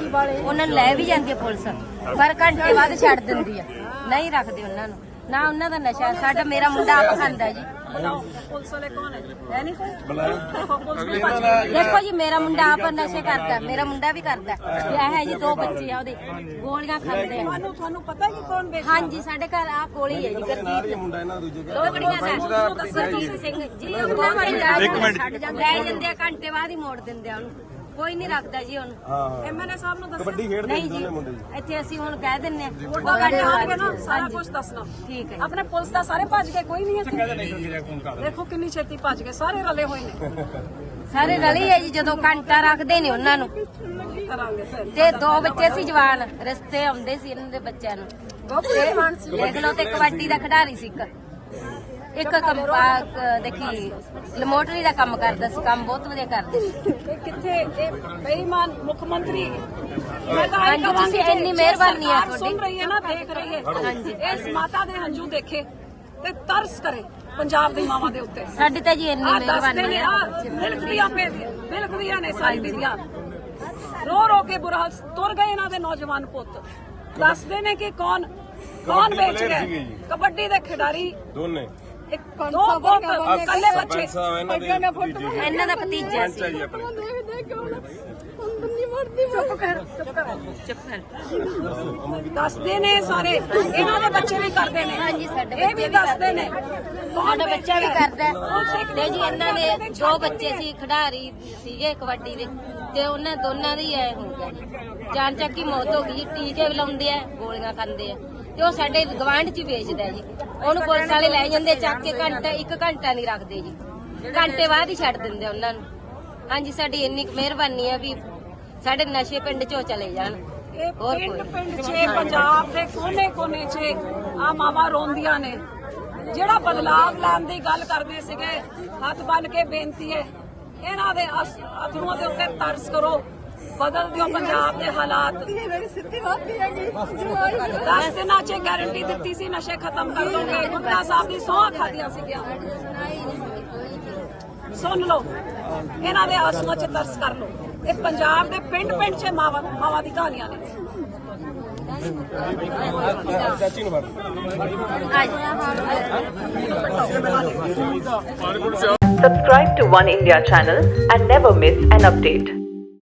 ਉਹਨਾਂ ਨੂੰ ਲੈ ਵੀ ਜਾਂਦੀ ਹੈ ਪੁਲਿਸ, ਪਰ ਘੰਟੇ ਬਾਅਦ ਛੱਡ ਦਿੰਦੀ ਆ, ਨਹੀਂ ਰੱਖਦੇ ਉਹਨਾਂ ਨੂੰ। ਨਾ ਉਹਨਾਂ ਦਾ ਨਸ਼ਾ, ਸਾਡਾ ਮੇਰਾ ਮੁੰਡਾ ਆਪ ਖਾਂਦਾ ਜੀ। ਪੁਲਿਸ ਵਾਲੇ ਕੌਣ ਹੈ ਨਹੀਂ ਕੋਈ? ਦੇਖੋ ਜੀ, ਮੇਰਾ ਮੁੰਡਾ ਆਪ ਨਸ਼ੇ ਕਰਦਾ, ਮੇਰਾ ਮੁੰਡਾ ਵੀ ਕਰਦਾ, ਵਿਆਹ ਹੈ ਜੀ, 2 ਬੱਚੇ ਆ ਉਹਦੇ, ਗੋਲੀਆਂ ਖਾਂਦੇ ਆ। ਤੁਹਾਨੂੰ ਪਤਾ ਕਿ ਕੌਣ ਵੇਚਦਾ? ਹਾਂਜੀ, ਸਾਡੇ ਘਰ ਆ ਕੋਲ ਹੀ ਹੈ ਜੀ, ਗਰਦੀਪ ਮੁੰਡਾ ਇਹਨਾਂ ਦੂਜੇ ਲੋਕੜੀਆਂ ਦਾ ਸਰਜੀਤ ਸਿੰਘ ਜੀ। ਉਹਨਾਂ ਵਾਲੀ ਛੱਡ ਜਾਂਦੇ, ਲੈ ਜਾਂਦੇ ਆ, ਘੰਟੇ ਬਾਅਦ ਹੀ ਮੋੜ ਦਿੰਦੇ ਆ ਉਹਨੂੰ, ਕੋਈ ਨਹੀਂ ਰੱਖਦਾ ਜੀ ਉਹਨੂੰ। ਐਮਐਲਏ ਸਾਹਿਬ ਨੂੰ ਦੱਸੋ। ਕਬੱਡੀ ਖੇਡਦੇ ਨਹੀਂ ਜੀ, ਮੁੰਡੇ ਜੀ। ਇੱਥੇ ਅਸੀਂ ਹੁਣ ਕਹਿ ਦਿੰਨੇ ਆ, ਵੋਟਾਂ ਕੱਢ ਆਉਣਗੇ ਨਾ, ਸਾਰਾ ਕੁਝ ਦੱਸਣਾ। ਠੀਕ ਹੈ। ਆਪਣੇ ਪੁਲਿਸ ਦਾ ਸਾਰੇ ਭੱਜ ਗਏ, ਕੋਈ ਨਹੀਂ ਇੱਥੇ। ਦੇਖੋ ਕਿੰਨੀ ਛੇਤੀ ਭੱਜ ਗਏ, ਸਾਰੇ ਰਲੇ ਹੋਏ ਨੇ। ਸਾਰੇ ਰਲੀ ਹੈ ਜੀ, ਜਦੋਂ ਘੰਟਾ ਰੱਖਦੇ ਨੇ ਉਹਨਾਂ ਨੂੰ। ਕੀ ਕਰਾਂਗੇ ਫਿਰ? ਤੇ 2 ਬੱਚੇ ਸੀ ਜਵਾਨ, ਰਿਸ਼ਤੇ ਆਉਂਦੇ ਸੀ ਇਹਨਾਂ ਦੇ ਬੱਚਿਆਂ ਨੂੰ। ਦੇਖ ਲਓ, ਤੇ ਕਬੱਡੀ ਦਾ ਖਿਡਾਰੀ ਸੀ ਇੱਕ ਦੇਖੀ ਲਮੋਟਰੀ ਦਾ ਕੰਮ ਕਰਦਾ ਸੀ, ਕੰਮ ਬਹੁਤ ਵਧੀਆ ਕਰਦਾ ਸੀ। ਕਿੱਥੇ ਇਹ ਬੇਈਮਾਨ ਮੁੱਖ ਮੰਤਰੀ? ਹਾਂਜੀ, ਤੁਸੀਂ ਇੰਨੀ ਮਿਹਰਬਾਨੀ ਆ ਤੁਹਾਡੀ। ਸੁਣ ਰਹੀ ਹੈ ਨਾ, ਦੇਖ ਰਹੀ ਹੈ। ਹਾਂਜੀ, ਇਸ ਮਾਤਾ ਦੇ ਹੰਝੂ ਦੇਖੇ ਤੇ ਤਰਸ ਕਰੇ ਪੰਜਾਬ ਦੀ ਮਾਵਾਂ ਦੇ ਉੱਤੇ। ਸਾਡੀ ਤਾਂ ਜੀ ਇੰਨੀ ਮਿਹਰਬਾਨੀ ਆ। ਬਿਲਕੁਲੀਆਂ ਨੇ ਸਾਰੀ ਬੀਬੀਆਂ, ਰੋ ਰੋ ਕੇ ਬੁਰਾ ਹਾਲ। ਤੁਰ ਗਏ ਇਹਨਾਂ ਦੇ ਨੌਜਵਾਨ ਪੁੱਤ, ਦੱਸਦੇ ਨੇ ਕਿ ਕੌਣ ਵੇਚ ਗਏ। ਕਬੱਡੀ ਦੇ ਖਿਡਾਰੀ ਦੋਨੇ, 2 ਕੱਲੇ ਬੱਚੇ। ਇਹਨਾਂ ਦਾ ਭਤੀਜਾ ਸੀ। ਦੱਸਦੇ ਨੇ ਸਾਰੇ, ਇਹਨਾਂ ਦੇ ਬੱਚੇ ਵੀ ਕਰਦੇ ਨੇ। ਹਾਂਜੀ, ਸਾਡੇ ਇਹ ਵੀ ਦੱਸਦੇ ਨੇ। ਸਾਡਾ ਬੱਚਾ ਵੀ ਕਰਦਾ ਤੇ ਜੀ। ਇਹਨਾਂ ਦੇ 2 ਬੱਚੇ ਸੀ, ਖਿਡਾਰੀ ਸੀਗੇ ਕਬੱਡੀ ਦੇ, ਤੇ ਉਹਨਾਂ ਦੋਨਾਂ ਦੀ ਐ ਹੋ ਗਿਆ ਜੀ, ਜਾਨ ਚੱਕ ਦੀ ਮੌਤ ਹੋ ਗਈ ਜੀ। ਟੀਕੇ ਵੀ ਲਾਉਂਦੇ ਆ, ਗੋਲੀਆਂ ਖਾਂਦੇ ਆ, ਤੇ ਉਹ ਸਾਡੇ ਗਵਾਂਢ 'ਚ ਹੀ ਵੇਚਦਾ ਜੀ। ਉਹਨੂੰ ਪੁਲਿਸ ਵਾਲੇ ਲੈ ਜਾਂਦੇ ਚੱਕ ਕੇ, 1 ਘੰਟਾ ਨਹੀਂ ਰੱਖਦੇ ਜੀ, ਘੰਟੇ ਬਾਅਦ ਹੀ ਛੱਡ ਦਿੰਦੇ ਉਹਨਾਂ ਨੂੰ। ਹਾਂਜੀ, ਸਾਡੀ ਇੰਨੀ ਮਿਹਰਬਾਨੀ ਆ ਵੀ ਸਾਡੇ ਨਸ਼ੇ ਪਿੰਡ 'ਚੋਂ ਚਲੇ ਜਾਣ। ਇਹ ਪਿੰਡ 'ਚ, ਪੰਜਾਬ ਦੇ ਕੋਨੇ-ਕੋਨੇ 'ਚ ਆ ਮਾਵਾਂ ਰੋਂਦੀਆਂ ਨੇ। ਜਿਹੜਾ ਬਦਲਾਵ ਲੈਣ ਦੀ ਗੱਲ ਕਰਦੇ ਸੀਗੇ, ਹੱਥ ਬੰਨ ਕੇ ਬੇਨਤੀ ਹੈ, ਇਹਨਾਂ ਦੇ ਅਥਰੂਆਂ ਦੇ ਉੱਤੇ ਤਰਸ ਕਰੋ, ਬਦਲ ਦਿਓ ਪੰਜਾਬ ਦੇ ਹਾਲਾਤ। 10 ਦਿਨਾਂ 'ਚ ਗਾਰੰਟੀ ਦਿੱਤੀ ਸੀ, ਨਸ਼ੇ ਖਤਮ ਕਰ ਦੋਗੇ। ਗੁਰਦਾ ਸਾਹਿਬ ਦੀ ਸਹੁੰ ਖਾਧੀਆਂ ਸੀਗੀਆਂ। ਸੁਣ ਲਓ, ਇਹਨਾਂ ਦੇ ਆਂਸੂਆਂ 'ਚ ਤਰਸ ਕਰ ਲਓ। ਇਹ ਪੰਜਾਬ ਦੇ ਪਿੰਡ 'ਚ ਮਾਵਾਂ ਦੀ ਕਹਾਣੀਆਂ ਨੇ। ਚਾਚੀ ਨੂੰ Subscribe to One India channel and never miss an update.